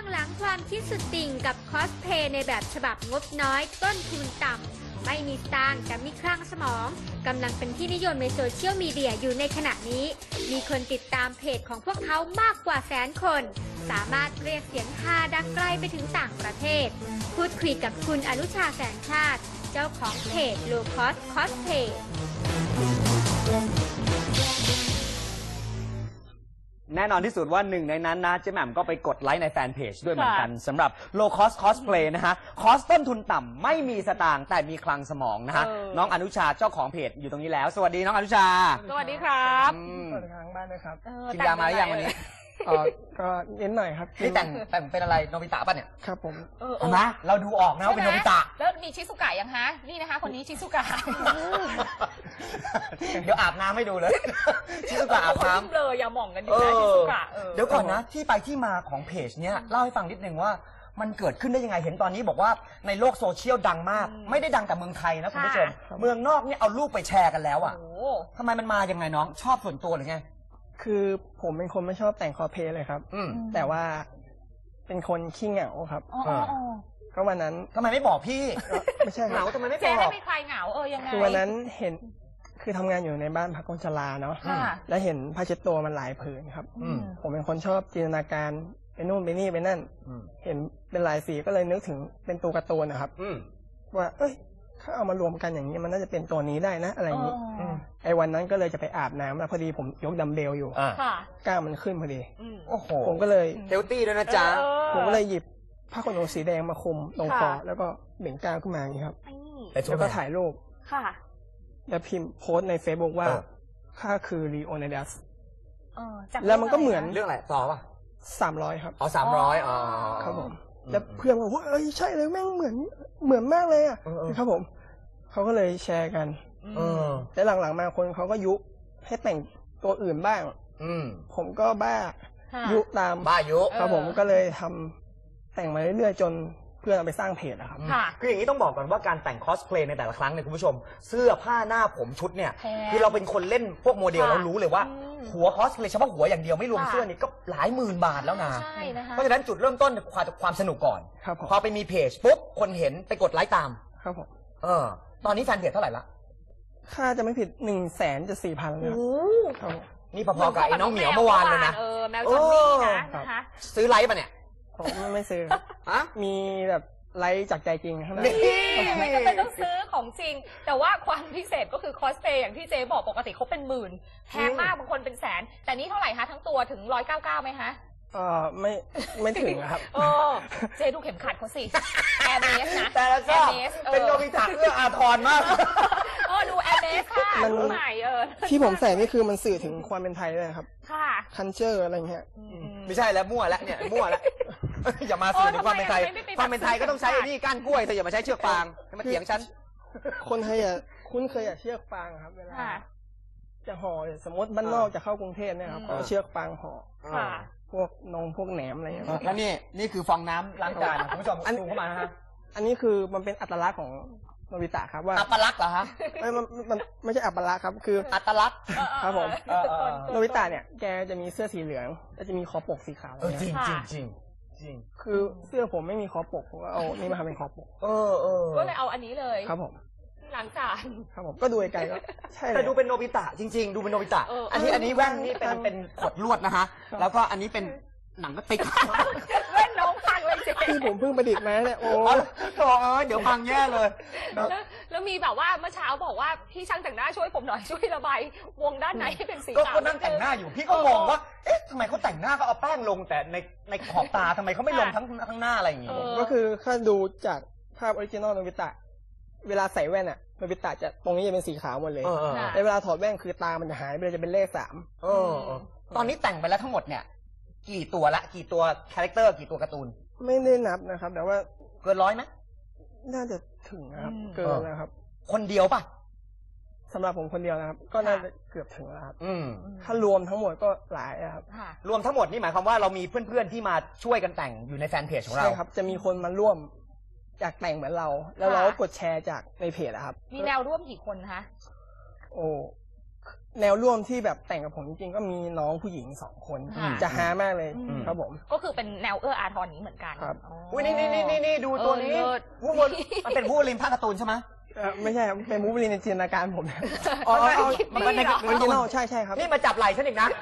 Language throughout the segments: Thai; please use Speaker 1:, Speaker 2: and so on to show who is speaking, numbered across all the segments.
Speaker 1: หลังความคิดสุดติ่งกับคอสเพลย์ในแบบฉบับงบน้อยต้นทุนต่ำไม่มีสตางค์แต่มีคลั่งสมองกำลังเป็นที่นิยมในโซเชียลมีเดียอยู่ในขณะนี้มีคนติดตามเพจของพวกเขามากกว่า100,000 คนสามารถเรียกเสียงฮาดังไกลไปถึงต่างประเทศพูดคุยกับคุณอนุชาแสงชาติเจ้าของเพจ Low Cost Cosplay
Speaker 2: แน่นอนที่สุดว่าหนึ่งในนั้นนะเจ๊แหม่มก็ไปกดไลค์ในแฟนเพจด้วยเหมือนกันสำหรับ Low Cost Cosplay นะฮะคอสต้นทุนต่ำไม่มีสตางค์แต่มีคลังสมองนะฮะน้องอนุชาเจ้าของเพจอยู่ตรงนี้แล้วสวัสดีน้องอนุชา
Speaker 3: สวัสดีครับ
Speaker 4: สวัสดีทางบ้านด้วยครับ
Speaker 2: กินยามาหรือยังวันนี้
Speaker 4: ก็เน้นหน่อยครับ
Speaker 2: นี่แต่งเป็นอะไรโนบิตะป่ะเนี่ย
Speaker 4: ครับผม
Speaker 2: เห็นไหมเราดูออกนะว่าเป็นโนบิตะ
Speaker 3: แล้วมีชิซุกะยังฮะนี่นะคะคนนี้ชิซุกะ
Speaker 2: เดี๋ยวอาบน้ำให้ดูเลยชิซุกะอาบน้ำ
Speaker 3: เลยอย่าหม่องกันอยู่นะชิซุกะ
Speaker 2: เดี๋ยวก่อนนะที่ไปที่มาของเพจเนี้ยเล่าให้ฟังนิดนึงว่ามันเกิดขึ้นได้ยังไงเห็นตอนนี้บอกว่าในโลกโซเชียลดังมากไม่ได้ดังแต่เมืองไทยนะคุณผู้ชมเมืองนอกเนี่ยเอารูปไปแชร์กันแล้วอ่ะทำไมมันมายังไงน้องชอบส่วนตัวหรือไง
Speaker 4: คือผมเป็นคนไม่ชอบแต่งคอสเพลย์เลยครับแต่ว่าเป็นคนขี้เหงาครับก็วันนั้น
Speaker 2: ทำไมไม่บอกพี่
Speaker 4: ไม่ใช่
Speaker 2: เหงาทำไมไม่บอก
Speaker 3: เจ๊ให้ไม่ใครเหงายังไง
Speaker 4: คือวันนั้นเห็นคือทำงานอยู่ในบ้านพักคนชราเนาะแล้วเห็นผ้าเช็ดตัวมันหลายผืนครับผมเป็นคนชอบจินตนาการไปนู่นไปนี่ไปนั่นเห็นเป็นหลายสีก็เลยนึกถึงเป็นตัวการ์ตูนนะครับว่าเอ้ยถ้าเอามารวมกันอย่างนี้มันน่าจะเป็นตัวนี้ได้นะอะไรอย่างนี้ไอ้วันนั้นก็เลยจะไปอาบน้ำแล้วพอดีผมยกดัมเบลอยู่กล้ามมันขึ้นพอดี
Speaker 2: โอ้โห
Speaker 4: ผมก็เลย
Speaker 2: เฮลตี้ด้วยนะจ๊ะ
Speaker 4: ผมก็เลยหยิบผ้าขนหนูสีแดงมาคลุมตรงคอแล้วก็เบ่งกล้ามขึ้นมาอย่างนี้ครับแล้วก็ถ่ายรูปแล้วพิมพ์โพสในเฟซบุ๊กว่าข้าคือลีโอนิดัสแล้วมันก็เหมือน
Speaker 2: เรื่องอะไรต่อป่ะ
Speaker 4: 300ครับ
Speaker 2: 300
Speaker 4: ครับผมแล้วเพื่อนบอกว่าเอ้ยใช่เลยแม่งเหมือนมากเลยอ่ะครับผมเขาก็เลยแชร์กันแต่หลังๆมาคนเขาก็ยุให้แต่งตัวอื่นบ้างผมก็บ้ายุตาม
Speaker 2: บ้ายุ
Speaker 4: ครับผมก็เลยทำแต่งมาเรื่อยๆจนเพื่อนเอาไปสร้างเพจนะครับ
Speaker 2: คืออย่างนี้ต้องบอกก่อนว่าการแต่งคอสเพลย์ในแต่ละครั้งเนี่ยคุณผู้ชมเสื้อผ้าหน้าผมชุดเนี่ยคือเราเป็นคนเล่นพวกโมเดลเรารู้เลยว่าหัวคอสเพลย์เฉพาะหัวอย่างเดียวไม่รวมเสื้อนี่ก็หลายหมื่นบาทแล้วนะเพราะฉะนั้นจุดเริ่มต้นความสนุกก่อนพอไปมีเพจปุ๊บคนเห็นไปกดไลค์ตาม
Speaker 4: ครับผม
Speaker 2: ตอนนี้แฟนเพจเท่าไหร่ละ
Speaker 4: ค่าจะไม่ผิด100,000 เลยครับ
Speaker 2: นี่พอๆกับไอ้น้องเหมียวเมื่อวานเลยนะ
Speaker 3: แมวจอนนี่นะคะ
Speaker 2: ซื้อไลค์ป่ะเนี่ย
Speaker 4: ผมไม่ซื้อมีแบบไลค์จากใจจริงครับ
Speaker 3: ไม่จำเป็นต้องซื้อของจริงแต่ว่าความพิเศษก็คือคอสเพลย์อย่างที่เจ๊บอกปกติเขาเป็นหมื่นแพงมากบางคนเป็นแสนแต่นี่เท่าไหร่คะทั้งตัวถึง199ไหมคะ
Speaker 4: ไม่ถึงครับ
Speaker 3: เจ๊ดูเข็มขัดเขาสิแอร์เมสนะ
Speaker 2: แต่ละก็เป็นโนบิตะเอื้ออาทรมาก
Speaker 3: ดูแอร์เมสค่ะดูใหม่
Speaker 4: ที่ผมใส่นี่คือมันสื่อถึงความเป็นไทยเลยครับ
Speaker 3: ค่ะ
Speaker 4: คันเจอร์อะไรเงี้ย
Speaker 2: ไม่ใช่แล้วมั่วแล้วเนี่ยมั่วแล้วอย่ามาสื่อถึงความเป็นไทยความเป็นไทยก็ต้องใช้นี่ก้านกล้วยเธออย่ามาใช้เชือกฟางมาเถียงฉัน
Speaker 4: คนไทยคุ้นเคยเชือกฟางครับเวลาจะห่อสมมติบ้านนอกจะเข้ากรุงเทพเนี่ยครับเอาเชือกฟางห่อพวกพวกแหนมอะไรอย่างเงี้ย
Speaker 2: แล้วนี่คือฟองน้ำล้างจานคุณผู้ชมดูเข้ามาฮะ
Speaker 4: อันนี้คือมันเป็นอัตลักษณ์ของโนบิตะครับว่า
Speaker 2: อัตลักษณ์เหรอฮะ
Speaker 4: มันไม่ใช่อัตลักษณ์ครับคือ
Speaker 2: อัตลักษณ์
Speaker 4: ครับผมโนบิตะเนี่ยแกจะมีเสื้อสีเหลืองแล้วจะมีคอปกสีขาว
Speaker 2: จริง
Speaker 4: คือเสื้อผมไม่มีคอปกผมก็เอานี่มาทำเป็นคอปก
Speaker 3: ก็เลยเอาอันนี้เลย
Speaker 4: ครับผม
Speaker 3: ล้างจาน
Speaker 4: ครับผมก็ดูไกลก็ใช่
Speaker 2: แต่ดูเป็นโนบิตะจริงๆดูเป็นโนบิตะอันนี้แว่นนี่เป็นขดลวดนะฮะแล้วก็อันนี้เป็นหนังก็ติด
Speaker 3: แว่นน้องพังเลย
Speaker 4: ที่ผมเพิ่งประดิษฐ์มาเนี่ยโอ้
Speaker 2: เดี๋ยวพังแย่เลย
Speaker 3: แล้วมีแบบว่าเมื่อเช้าบอกว่าพี่ช่างแต่งหน้าช่วยผมหน่อยช่วยระบายวงด้านไหนให้เป็นสีขาว
Speaker 2: ก็นั่งแต่งหน้าอยู่พี่ก็งงว่าเอ๊ะทำไมเขาแต่งหน้าก็เอาแป้งลงแต่ในขอบตาทำไมเขาไม่ลงทั้งหน้าอะไรอย่างงี้
Speaker 4: ก็คือถ้าดูจากภาพออริจินอลโนบิตะเวลาใส่แว่นอะโนบิตะจะตรงนี้จะเป็นสีขาวหมดเลยแต่เวลาถอดแว่นคือตามันจะหายไปเลยจะเป็นเลข3
Speaker 2: ตอนนี้แต่งไปแล้วทั้งหมดเนี่ยกี่ตัวละกี่ตัวคาแรคเตอร์กี่ตัวการ์ตูน
Speaker 4: ไม่ได้นับนะครับแต่ว่า
Speaker 2: เกิน100ไหม
Speaker 4: น่าจะถึงนะครับเกินนะครับ
Speaker 2: คนเดียวป่ะ
Speaker 4: สำหรับผมคนเดียวนะครับก็น่าจะเกือบถึงแล้วครับถ้ารวมทั้งหมดก็หลายครับ
Speaker 2: รวมทั้งหมดนี่หมายความว่าเรามีเพื่อนๆที่มาช่วยกันแต่งอยู่ในแฟนเพจของเรา
Speaker 4: ใช่ครับจะมีคนมาร่วมอยากแต่งเหมือนเราแล้วเราก็กดแชร์จากในเพจครับ
Speaker 3: มีแนวร่วมกี่คนคะ
Speaker 4: โอ้แนวร่วมที่แบบแต่งกับผมจริงๆก็มีน้องผู้หญิง2 คน จะฮามากเลยครับผม
Speaker 3: ก็คือเป็นแนวเอื้ออาทรนี้เหมือนกัน
Speaker 4: ครับ
Speaker 2: อุ้ยนี่ดูตัวนี้วูบนมันเป็นวูบลินภาคการ์ตูนใช่ไหม
Speaker 4: ไม่ใช่ครับเป็นมูฟลินในจินตนาการผม
Speaker 2: มันในการ์ตูน
Speaker 4: ใช่ครับ
Speaker 2: นี่มาจับไหล่ฉันอีกนะ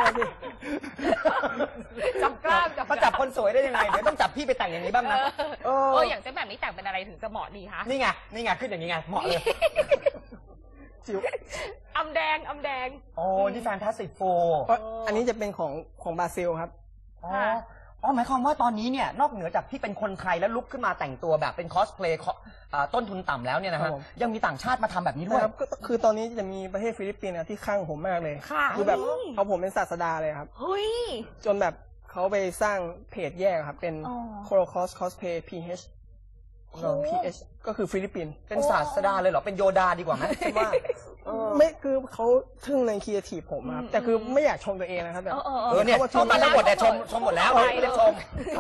Speaker 3: จับกล้าม
Speaker 2: มาจับคนสวยได้ยังไงเดี๋ยวต้องจับพี่ไปแต่งอย่างนี้บ้างนะ
Speaker 3: อย่างเจ๊แบบนี้แต่งเป็นอะไรถึงจะเหมาะดีคะ
Speaker 2: นี่ไงขึ้นอย่างนี้ไงเหมาะเลย
Speaker 4: จิ๋ว
Speaker 3: อำแดง
Speaker 2: โอ้นี่แฟนตาสติกโฟ
Speaker 4: อันนี้จะเป็นของบราซิลครับ
Speaker 2: หมายความว่าตอนนี้เนี่ยนอกเหนือจากที่เป็นคนไทยแล้วลุกขึ้นมาแต่งตัวแบบเป็นคอสเพลย์ต้นทุนต่ำแล้วเนี่ยนะฮะยังมีต่างชาติมาทำแบบนี้ด้วย
Speaker 4: ครับคือตอนนี้จะมีประเทศฟิลิปปินส์ที่ข้างผมมากเลยคือแบบเอาผมเป็นศาสดาเลยครับจนแบบเขาไปสร้างเพจแยกครับเป็น Holocaust Cosplay PH ก็คือฟิลิปปินส์
Speaker 2: เป็นศาสดาเลยเหรอเป็นโยดาดีกว่าไหมคิดว่า
Speaker 4: ไม่คือเขาทึ่งในครีเอทีฟผมครับแต่คือไม่อยากชมตัวเองนะครับแบบ
Speaker 2: เนี่ยชมมาทั้งหมดแต่ชมหมดแล้วไม่ได้ชม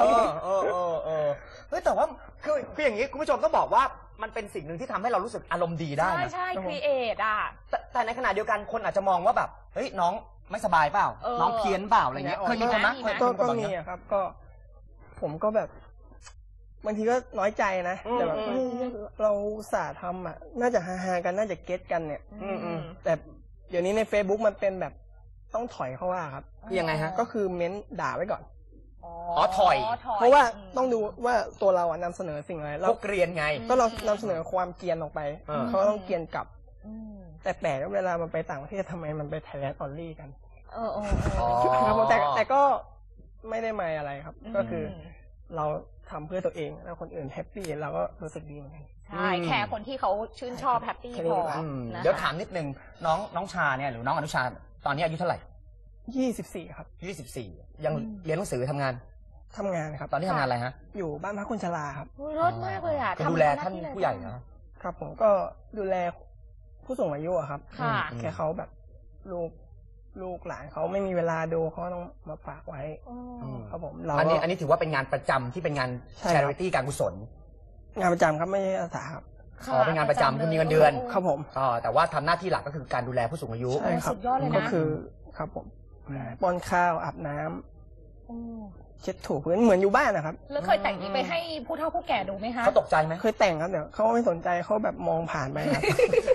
Speaker 2: เฮ้ยแต่ว่าคืออย่างนี้คุณผู้ชมต้องบอกว่ามันเป็นสิ่งหนึ่งที่ทำให้เรารู้สึกอารมณ์ดีได้นะ
Speaker 3: ใช่ครีเอทอ่ะ
Speaker 2: แต่ในขณะเดียวกันคนอาจจะมองว่าแบบเฮ้ยน้องไม่สบายเปล่าน้องเพี้ยนเปล่าอะไรเงี้ยเคยมีคนนะ
Speaker 4: ก็มีครับก็ผมก็แบบบางทีก็น้อยใจนะแต่แบบเราอุตส่าห์ทำอ่ะน่าจะฮาๆกันน่าจะเก็ตกันเนี่ยแต่เดี๋ยวนี้ใน Facebook มันเป็นแบบต้องถอยเข้าว่าครับ
Speaker 2: คือยังไงฮะ
Speaker 4: ก็คือเม้นด่าไว้ก่อน
Speaker 2: ถอย
Speaker 4: เพราะว่าต้องดูว่าตัวเราอ่ะนำเสนอสิ่งอะไร
Speaker 2: เราเกรียนไง
Speaker 4: ก็เรานำเสนอความเกรียนออกไปเขาต้องเกรียนกลับแต่แปลกเวลามันไปต่างประเทศทำไมมันไปไทยแลนด์ออลลี่กันครับแต่ก็ไม่ได้หมายอะไรครับก็คือเราทำเพื่อตัวเองแล้วคนอื่นแฮปปี้เราก็รู้สึกดีเหมือนกัน
Speaker 3: ใช่แค่คนที่เขาชื่นชอบแฮปปี้พอ
Speaker 2: เดี๋ยวถามนิดนึงน้องชาเนี่ยหรือน้องอนุชาตอนนี้อายุเท่าไหร่
Speaker 4: 24ครับ
Speaker 2: 24ยังเรียนหนังสือทำงาน
Speaker 4: ครับ
Speaker 2: ตอนนี้ทำงานอะไรฮะ
Speaker 4: อยู่บ้านพักคนชราครับ
Speaker 3: รถมากเลยอ่ะ
Speaker 2: ดูแลท่านผู้ใหญ่นะครับ
Speaker 4: ผมก็ดูแลผู้สูงอายุครับแค่เขาแบบลูกหลานเขาไม่มีเวลาดูเขาต้องมาฝากไว้ครับผม
Speaker 2: อันนี้ถือว่าเป็นงานประจำที่เป็นงาน charity การกุศล
Speaker 4: งานประจำครับไม่ใช่อาสาครับ
Speaker 2: เป็นงานประจำคือมีเงินเดือน
Speaker 4: ครับผม
Speaker 2: แต่ว่าทำหน้าที่หลักก็คือการดูแลผู้สูงอายุ
Speaker 4: ใช่ครับก็คือครับผมป้อนข้าวอาบน้ำเช็ดถูพื้นเหมือนอยู่บ้านนะครับ
Speaker 3: แล้วเคยแต่งนี้ไปให้ผู้เฒ่าผู้แก่ดูไหมคะ
Speaker 2: เขาตกใจไหม
Speaker 4: เคยแต่งครับเดี๋ยวเขาไม่สนใจเขาแบบมองผ่านไปครับ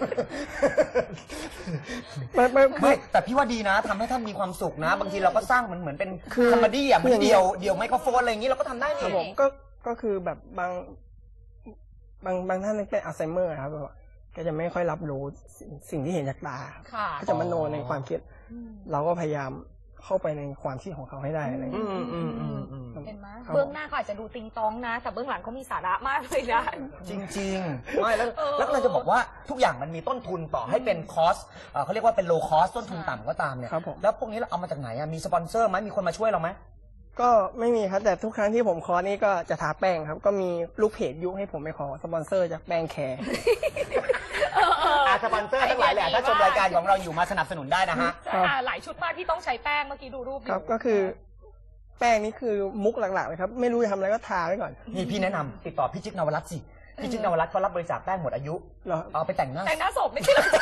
Speaker 2: ไม่แต่พี่ว่าดีนะทำให้ท่านมีความสุขนะบางทีเราก็สร้างมันเหมือนเป็นคอมเมดี้อ่ะเหมือนเดี่ยวไมโครโฟนอะไรอย่างนี้เราก็ทำได้
Speaker 4: ครับผมก็คือแบบบางท่านเป็นอัลไซเมอร์ครับก็จะไม่ค่อยรับรู้สิ่งที่เห็นจากตาก็จะมโนในความคิดเราก็พยายามเข้าไปในความคิดของเขาให้ได้อะไรอย่างเงี้ย
Speaker 3: เห็นไหมเบื้องหน้าเขาอาจจะดูติงตองนะแต่เบื้องหลังเขามีสาระมากเลยนะ
Speaker 2: จริงๆไม่แล้วเราจะบอกว่าทุกอย่างมันมีต้นทุนต่อให้เป็นคอสเขาเรียกว่าเป็นโลคอสต้นทุนต่ำก็ตามเนี่ยแล้วพวกนี้เราเอามาจากไหนมีสปอนเซอร์ไหมมีคนมาช่วยเราไหม
Speaker 4: ก็ไม่มีครับแต่ทุกครั้งที่ผมขอนี่ก็จะทาแป้งครับก็มีลูกเพจยุให้ผมไปขอสปอนเซอร์จากแป้งแคร์
Speaker 2: สปอนเซอร์ทั้งหลายแหละถ้าชมรายการของเราอยู่มาสนับสนุนได้นะฮะ
Speaker 3: หลายชุดมากที่ต้องใช้แป้งเมื่อกี้ดูรูป
Speaker 4: ครับก็คือแป้งนี้คือมุกหลักๆเลยครับไม่รู้จะทำอะไรก็ทาไว้ก่อน
Speaker 2: นี่พี่แนะนำติดต่อพี่จิ๊กนวรัตน์สิพี่จิ๊กนวรัตน์เขารับบริจาคแป้งหมดอายุเอาไปแต่งหน้
Speaker 3: าศพไม่ใช่หรอ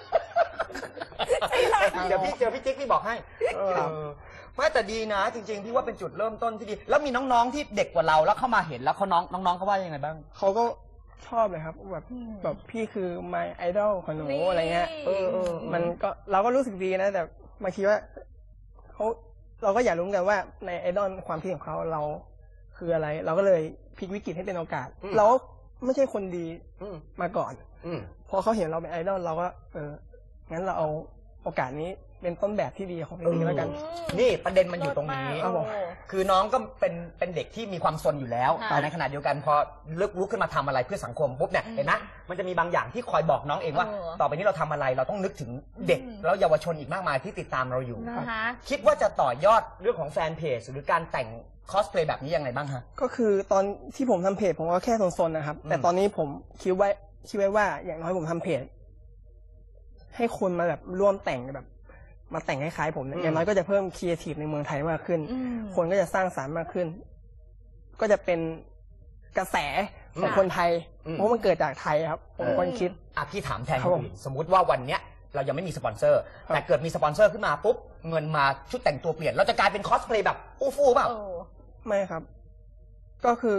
Speaker 2: เดี๋ยวพี่เจอพี่จิ๊กพี่บอกให้ไม่แต่ดีนะจริงๆพี่ว่าเป็นจุดเริ่มต้นที่ดีแล้วมีน้องๆที่เด็กกว่าเราแล้วเข้ามาเห็นแล้วเขาน้องเขาว่ายังไงบ้าง
Speaker 4: เขาก็ชอบเลยครับแบบพี่คือ my idol ของหนูอะไรเงี้ยมันก็เราก็รู้สึกดีนะแต่บางทีว่าเราก็อยากรู้กันว่าในไอดอลความคิดของเขาเราคืออะไรเราก็เลยพลิกวิกฤตให้เป็นโอกาสเราไม่ใช่คนดีมาก่อนพอเขาเห็นเราเป็นไอดอลเราก็งั้นเราเอาโอกาสนี้เป็นต้นแบบที่ดีของเพลงแล้วกัน
Speaker 2: นี่ประเด็นมันอยู่ตรงนี้คือน้องก็เป็นเด็กที่มีความซนอยู่แล้วแต่ในขณะเดียวกันพอลุกขึ้นมาทำอะไรเพื่อสังคมปุ๊บเนี่ยเห็นไหมมันจะมีบางอย่างที่คอยบอกน้องเองว่าต่อไปนี้เราทำอะไรเราต้องนึกถึงเด็กแล้วเยาวชนอีกมากมายที่ติดตามเราอยู่คิดว่าจะต่อยอดเรื่องของแฟนเพจหรือการแต่งคอสเพลย์แบบนี้ยังไงบ้างฮะ
Speaker 4: ก็คือตอนที่ผมทำเพจผมก็แค่ซนๆนะครับแต่ตอนนี้ผมคิดไว้ว่าอย่างน้อยผมทำเพจให้คนมาแบบร่วมแต่งแบบมาแต่งคล้ายๆผมอย่างน้อยก็จะเพิ่มครีเอทีฟในเมืองไทยมากขึ้นคนก็จะสร้างสรรค์มากขึ้นก็จะเป็นกระแสของคนไทยเพราะมันเกิดจากไทยครับผมคนคิด
Speaker 2: พี่ถามแทนคนอื่นสมมุติว่าวันเนี้ยเรายังไม่มีสปอนเซอร์ แต่เกิดมีสปอนเซอร์ขึ้นมาปุ๊บเงินมาชุดแต่งตัวเปลี่ยนเราจะกลายเป็นคอสเพลย์แบบอู้ฟู่เปล่า
Speaker 4: ไม่ครับ ก็คือ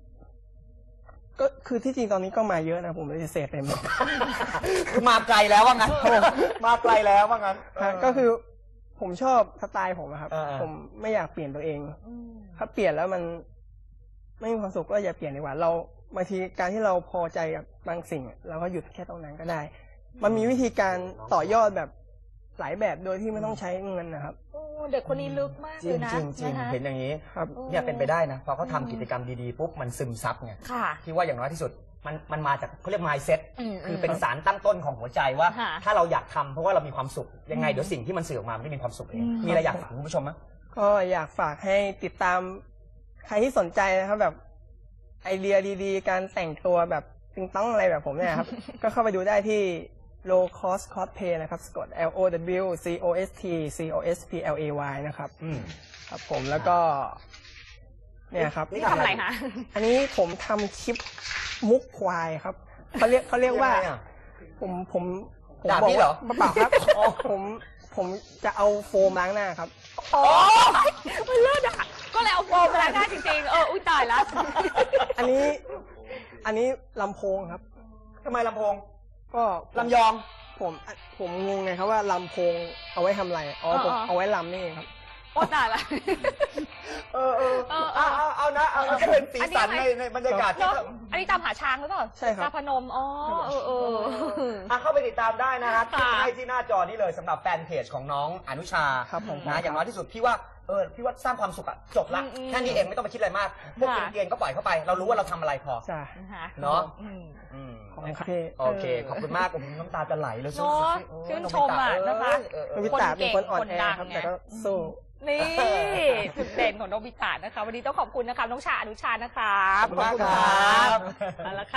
Speaker 4: ที่จริงตอนนี้ก็มาเยอะนะผมเลยเสพไปหมด
Speaker 2: คือมาไกลแล้วว่างั้นมาไกลแล้วว่างั้น
Speaker 4: ก็คือผมชอบสไตล์ผมอะครับ
Speaker 2: เออ
Speaker 4: ผมไม่อยากเปลี่ยนตัวเองถ้าเปลี่ยนแล้วมันไม่มีความสุขก็อย่าเปลี่ยนดีกว่าเราบางทีการที่เราพอใจกับบางสิ่งเราก็หยุดแค่ตรงนั้นก็ได้ มันมีวิธีการต่อยอดแบบหลายแบบโดยที่ไม่ต้องใช้เงินนะครับ
Speaker 3: เด็กคนนี้ลึกมาก
Speaker 2: จ
Speaker 3: เล
Speaker 2: ริ
Speaker 3: ย
Speaker 2: ง
Speaker 3: นะ
Speaker 2: จริงจริง
Speaker 3: นะคะ
Speaker 2: เห็นอย่างนี้
Speaker 4: ครับ
Speaker 2: เนี่ยเป็นไปได้นะพอเขาทำกิจกรรมดีๆปุ๊บมันซึมซับไง
Speaker 3: ค่ะ
Speaker 2: ที่ว่าอย่างน้อยที่สุดมันมาจากเขาเรียก mindset
Speaker 3: ม
Speaker 2: คือเป็นสารตั้งต้นของหัวใจว่า
Speaker 3: ค่ะ
Speaker 2: ถ้าเราอยากทำเพราะว่าเรามีความสุขยังไงเดี๋ยวสิ่งที่มันสื่อออกมามันได้มีความสุขเองมีอะไรอยากฝากคุณผู้ชมไหม
Speaker 4: ก็อยากฝากให้ติดตามใครที่สนใจนะครับแบบไอเดียดีๆ การแต่งตัวแบบติงต้องอะไรแบบผมเนี่ยครับ ก็เข้าไปดูได้ที่ low cost cosplay นะครับสะกด LOWCOST COSPLAY นะครับครับผมแล้วก็เนี่ยครับ
Speaker 3: นี่ทำอะไรคะ
Speaker 4: อันนี้ผมทำคลิปมุกควายครับเขาเรียกว่า
Speaker 2: ยังไงอะ
Speaker 4: ผม
Speaker 2: ด่า
Speaker 4: บอก
Speaker 2: พี่เหรอ
Speaker 4: ว่าเปล่าครับผมจะเอาโฟมล้างหน้าครับ
Speaker 3: โอ้ยมันเลิศอ่ะก็เลยเอาโฟมมาล้างหน้าจริงๆอุ้ยตายแล้ว
Speaker 4: อันนี้ลำโพงครับ
Speaker 2: ทำไมลำโพง
Speaker 4: ก็
Speaker 2: ลำยอง
Speaker 4: ผมงงไงครับว่าลำโพงเอาไว้ทำอะไรอ๋อผมเอาไว้ลำนี่เองครับ
Speaker 3: โอ้ตายละ
Speaker 2: เอานะเอาก็เป็นสีสันในบรรยากาศที่
Speaker 3: เนอะอันนี้ตามหาช้างหรือเปล่า
Speaker 4: ใช่ครับ
Speaker 3: ตาพนมอ๋อ
Speaker 2: เข้าไปติดตามได้นะครับ
Speaker 3: ค่ะ
Speaker 2: ให้ที่หน้าจอนี้เลยสำหรับแฟนเพจของน้องอนุชา
Speaker 4: ครับผม
Speaker 2: นะอย่างน้อยที่สุดพี่ว่าสร้างความสุขอะจบละแค่นี้เองไม่ต้องไปคิดอะไรมากพวกเกรียนๆก็ปล่อยเข้าไป เรารู้ว่าเราทำอะไรพอ
Speaker 4: จ้ะ
Speaker 3: นะคะ
Speaker 2: เนาะ
Speaker 4: ขอบคุณครับพี่
Speaker 2: โอเคขอบคุณมากผมน้ำตาจะไหลเลย
Speaker 3: เนาะชื่นชมอ่ะนะคะ
Speaker 4: โนบิตะเป็นคนอ่อนแอครับแต่ก็สู้
Speaker 3: นี่จุดเด่นของโนบิตะนะคะ วันนี้ต้องขอบคุณนะคะน้องชาอนุชานะคะ
Speaker 2: ขอบคุณมากครับ
Speaker 3: เอาละค่ะ